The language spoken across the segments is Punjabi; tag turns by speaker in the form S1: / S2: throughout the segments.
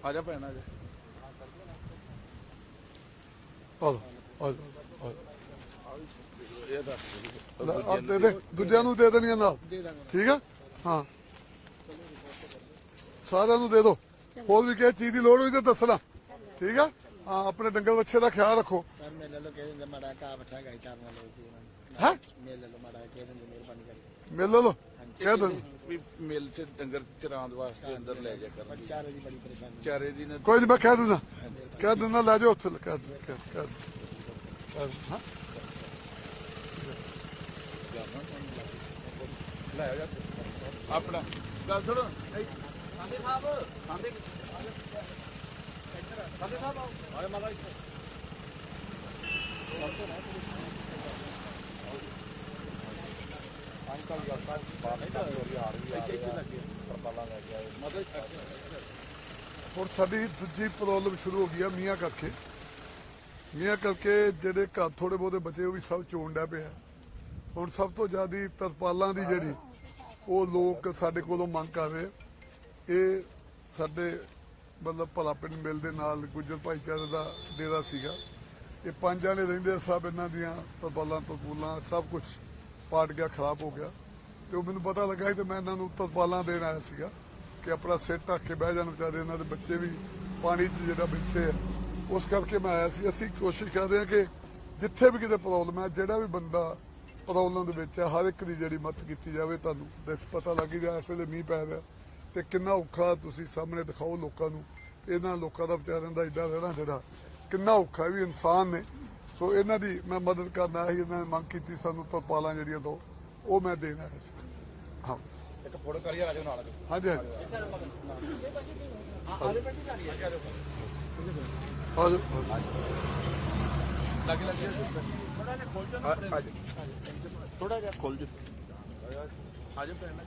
S1: ਆ ਜਾ ਭੈਣ ਆ ਜਾ
S2: ਦੇ ਦੇ ਦੂਜਿਆਂ ਨੂੰ ਦੇ ਦੇਣੀਆਂ ਨਾਲ ਠੀਕ ਆ ਹਾਂ ਸਾਰਿਆਂ ਨੂੰ ਦੇ ਦਿਓ ਹੋਰ ਵੀ ਕਿਸੇ ਚੀਜ਼ ਦੀ ਲੋੜ ਹੋਈ ਤਾਂ ਦੱਸਣਾ ਠੀਕ ਆ ਹਾਂ ਆਪਣੇ ਡੰਗਰ ਬੱਚੇ ਦਾ ਖਿਆਲ ਰੱਖੋ
S3: ਸਰ ਮੇਲੇ ਲੋ ਕਹਿ ਦਿੰਦੇ ਮਾੜਾ ਕਾ ਬਠਾ ਗਾਈ ਚਾਰਨਾ ਲੋ ਜੀ
S2: ਹੈ
S3: ਮੇਲੇ ਲੋ ਮਾੜਾ ਕਹਿ ਦਿੰਦੇ ਮਿਹਰਬਾਨੀ ਕਰਕੇ
S2: ਮਿਲ ਲਓ ਕਹਿ ਦੋ
S1: ਵੀ ਮਿਲ ਚ ਡੰਗਰ ਚਰਾਉਣ ਵਾਸਤੇ ਅੰਦਰ ਲੈ ਜਾ ਕਰ
S3: ਚਾਰੇ ਦੀ ਬੜੀ ਪਰੇਸ਼ਾਨੀ
S1: ਚਾਰੇ ਦੀ ਨਾ
S2: ਕੋਈ ਨਹੀਂ ਮੈਂ ਕਹਿ ਦਿੰਦਾ ਲੈ ਜਾਓ ਉੱਥੇ ਕਹਿ ਦਿੰਦਾ ਹਾਂ
S1: ਲੈ ਆ ਜਾ ਆਪਣਾ ਗੱਲ ਸੁਣ ਸਾਂਦੇ ਸਾਹਿਬ ਸਾਂਦੇ ਸਾਹਿਬ ਆਏ ਮਾਲਾ ਅੰਕਲ ਯਾਰ ਸਾਹਿਬ ਬਾਹਰ ਨਹੀਂ ਹੋ ਰਹੀ ਆ ਰਹੀ ਹੈ ਇੱਥੇ ਲੱਗੇ ਪਰਪਾਲਾ ਲੈ ਕੇ ਆਏ ਮਤਲਬ
S2: ਹੁਣ ਸਾਡੀ ਦੂਜੀ ਪ੍ਰੋਬਲਮ ਸ਼ੁਰੂ ਹੋ ਗਈ ਆ ਮੀਆਂ ਕਰਕੇ ਜਿਹੜੇ ਘਰ ਥੋੜੇ ਬਹੁਤੇ ਬਚੇ ਉਹ ਵੀ ਸਭ ਚੋਣ ਡਿਆ ਪਿਆ ਹੁਣ ਸਭ ਤੋਂ ਜ਼ਿਆਦਾ ਤਰਪਾਲਾਂ ਦੀ ਜਿਹੜੀ ਉਹ ਲੋਕ ਸਾਡੇ ਕੋਲੋਂ ਮੰਗ ਕਰ ਰਹੇ ਇਹ ਸਾਡੇ ਮਤਲਬ ਭਲਾ ਪਿੰਡ ਮਿਲ ਦੇ ਨਾਲ ਗੁੱਜਰ ਭਾਈਚਾਰੇ ਦਾ ਡੇਰਾ ਸੀਗਾ ਇਹ 5 ਜਣੇ ਰਹਿੰਦੇ ਸਭ ਇਹਨਾਂ ਦੀਆਂ ਤਰਪਾਲਾਂ ਸਭ ਕੁਝ ਪਾਟ ਗਿਆ ਖਰਾਬ ਹੋ ਗਿਆ ਤੇ ਉਹ ਮੈਨੂੰ ਪਤਾ ਲੱਗਾ ਤੇ ਮੈਂ ਇਹਨਾਂ ਨੂੰ ਤਰਪਾਲਾਂ ਦੇਣ ਆਇਆ ਸੀਗਾ ਕਿ ਆਪਣਾ ਸਿਰ ਢੱਕ ਕੇ ਬਹਿ ਜਾਣ ਵਿਚਾਰੇ ਇਹਨਾਂ ਦੇ ਬੱਚੇ ਵੀ ਪਾਣੀ 'ਚ ਜਿਹੜਾ ਬੈਠੇ ਆ ਉਸ ਕਰਕੇ ਮੈਂ ਆਇਆ ਸੀ ਅਸੀਂ ਕੋਸ਼ਿਸ਼ ਕਰਦੇ ਹਾਂ ਕਿ ਜਿੱਥੇ ਵੀ ਕਿਤੇ ਪ੍ਰੋਬਲਮ ਹੈ ਜਿਹੜਾ ਵੀ ਬੰਦਾ ਪ੍ਰੋਬਲਮ ਦੇ ਵਿੱਚ ਹੈ ਹਰ ਇੱਕ ਦੀ ਜਿਹੜੀ ਮਦਦ ਕੀਤੀ ਜਾਵੇ ਤੁਹਾਨੂੰ ਪਤਾ ਲੱਗ ਜਾ ਇਸ ਵੇਲੇ ਮੀਂਹ ਪੈ ਰਿਹਾ ਤੇ ਕਿੰਨਾ ਔਖਾ ਤੁਸੀਂ ਸਾਹਮਣੇ ਦਿਖਾਓ ਲੋਕਾਂ ਨੂੰ ਇਹਨਾਂ ਲੋਕਾਂ ਦਾ ਵਿਚਾਰਿਆਂ ਦਾ ਏਡਾ ਰਹਿਣਾ ਜਿਹੜਾ ਕਿੰਨਾ ਔਖਾ ਵੀ ਇਨਸਾਨ ਨੇ ਸੋ ਇਹਨਾਂ ਦੀ ਮੈਂ ਮਦਦ ਕਰਨਾ ਸੀ ਇਹਨਾਂ ਨੇ ਮੰਗ ਕੀਤੀ ਸਾਨੂੰ ਤਰਪਾਲਾਂ ਜਿਹੜੀਆਂ ਦੋ ਉਹ ਮੈਂ ਦੇਣ ਆਇਆ ਸੀ ਹਾਂ
S1: ਇੱਕ ਫੋਟੋ ਕਰੀਏ ਰਾਜੋ ਨਾਲ
S2: ਹਾਂਜੀ
S1: ਆ ਲੱਗੇ ਲੱਗੇ ਥੋੜਾ ਜਿਹਾ ਖੋਲ ਜੀ ਆ ਜਾ ਭੈਣ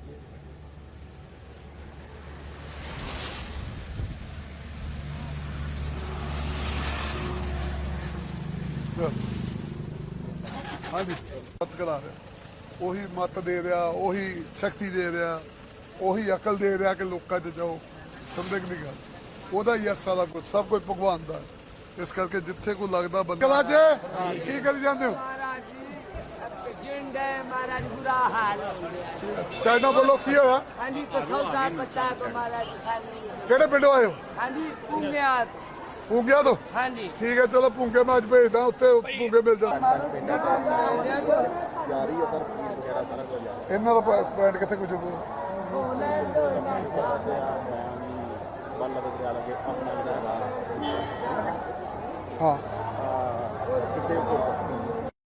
S2: ਹਾਂਜੀ ਮਤ ਕਰਾ ਰਿਹਾ ਉਹੀ ਮਤ ਦੇ ਰਿਹਾ ਉਹੀ ਸ਼ਕਤੀ ਦੇ ਰਿਹਾ ਉਹੀ ਅਕਲ ਦੇ ਰਿਹਾ ਕਿ ਲੋਕਾਂ 'ਚ ਜਾਓ ਸਮਝੇ ਕਿ ਨਹੀਂ ਗੱਲ ਉਹਦਾ ਹੀ ਆ ਸਾਰਾ ਕੁਝ ਸਭ ਕੁਝ ਭਗਵਾਨ ਦਾ ਇਸ ਕਰਕੇ ਜਿੱਥੇ ਕੋਈ ਲੱਗਦਾ ਬੰਦਾ ਜੀ ਕੀ ਕਰੀ ਜਾਂਦੇ ਹੋ
S4: महाराज बुरा हाल हो गया
S2: ਚਾਈਨਾ ਬੋਲੋ ਕੀ ਹੋਇਆ
S4: हाँ जी तो सौदा पता को महाराज
S2: ਕਿਹੜੇ ਪਿੰਡੋਂ ਆਏ ਹੋ
S4: हाँ जी पूंगिया
S2: ਪੂੰਗਿਆ ਤੋਂ
S4: हाँ जी
S2: ਠੀਕ ਹੈ ਚਲੋ ਪੂੰਗੇ ਮੈਂ ਅੱਜ ਭੇਜਦਾ ਉੱਥੇ ਪੂੰਗੇ ਮਿਲ ਜਾਣ
S3: ਜਾਰੀ ਹੈ ਸਰ ਫੀਡ ਵਗੈਰਾ ਸਾਰਾ ਕੁਝ
S2: ਇਹਨਾਂ ਦਾ ਪੁਆਇੰਟ ਕਿੱਥੇ ਕੁਝ
S3: ਬੱਲ ਬਦਰਿਆ ਲਗੇ ਆਪਣਾ ਜਿਹੜਾ
S2: ਹਾਂ